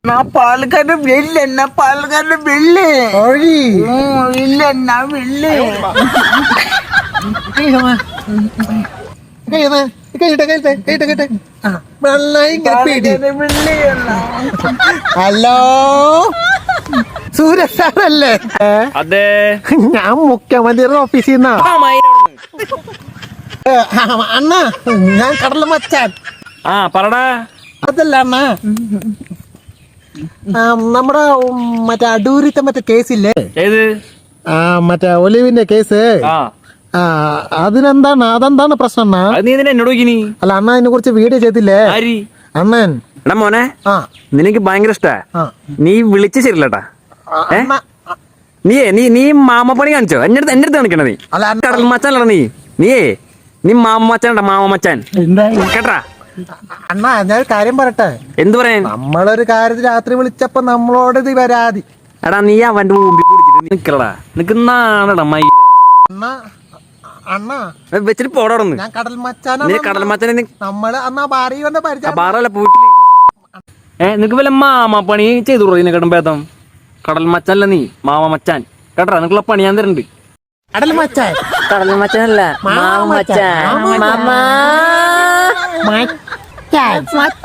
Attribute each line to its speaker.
Speaker 1: പാലക്കാട് വെള്ളെണ്ണ പാലക്കാട് വെള്ളി ഇല്ലെണ്ണ വെള്ളി
Speaker 2: ഹലോ സൂരജ് സാറല്ലേ?
Speaker 3: അതെ,
Speaker 2: ഞാൻ മുഖ്യമന്ത്രിയുടെ ഓഫീസിൽ നിന്നാ. അണ്ണാ ഞാൻ കടല മച്ചാൻ.
Speaker 3: പറടാ.
Speaker 2: അതല്ല അണ്ണാ, നമ്മുടെ മറ്റേ അടൂരിത്തെ മറ്റേ കേസില്ലേ,
Speaker 3: ഏത്?
Speaker 2: മറ്റേ ഒലിവിന്റെ കേസ്. അതെന്താണ് പ്രശ്നം അണ്ണാ?
Speaker 3: നീ എന്നോട് നോക്കിനി?
Speaker 2: അല്ല അണ്ണാ, അതിനെ കുറിച്ച് വീഡിയോ ചെയ്തില്ലേ അണ്ണൻ?
Speaker 3: എടാ മോനെ, നിനക്ക് ഭയങ്കര ഇഷ്ടാ. നീ വിളിച്ച ശരിയല്ലട്ടാ. നീ മാമപ്പണി കാണിച്ചോ? എന്റെ അടുത്ത് കാണിക്കണ നീ കടൽ മച്ചാനല്ലടാ. നീ മാമച്ചാൻ മാമച്ചാൻ കേട്ടാ.
Speaker 2: അണ്ണാ ഞാൻ കാര്യം പറയട്ടെ.
Speaker 3: എന്ത് പറയാൻ?
Speaker 2: നമ്മളൊരു കാര്യത്തിൽ രാത്രി വിളിച്ചപ്പോ നമ്മളോട് ഇത് വരാതി.
Speaker 3: എടാ നീ അവന്റെ മുമ്പിൽ കുടിച്ചിട്ട് നിക്കടാ. നിനക്ക് നാണടാ മൈ.
Speaker 2: അണ്ണാ
Speaker 3: വെച്ചിട്ട് പോടാ.
Speaker 2: ഞാൻ കടൽ മച്ചാനാ.
Speaker 3: നീ കടൽ മച്ചാനെ
Speaker 2: നമ്മള് അന്നാ ഭാര്യ പരിചയം.
Speaker 3: ബാറല്ല വീട്ടില് നിനക്ക് വല്ല മാമപ്പണി ചെയ്തു ഇതിനെക്കാട്ടും ഭേദം കടൽ മച്ചാനല്ല നീ മാമ മച്ചാൻ കേട്ടാ. നിനക്കുള്ള പണി ഞാൻ തരുന്നുണ്ട്.
Speaker 2: കടൽ മച്ചാൻ
Speaker 3: കടൽ മച്ചാനല്ല മാമ മച്ചാൻ.
Speaker 2: മച്ചാൻ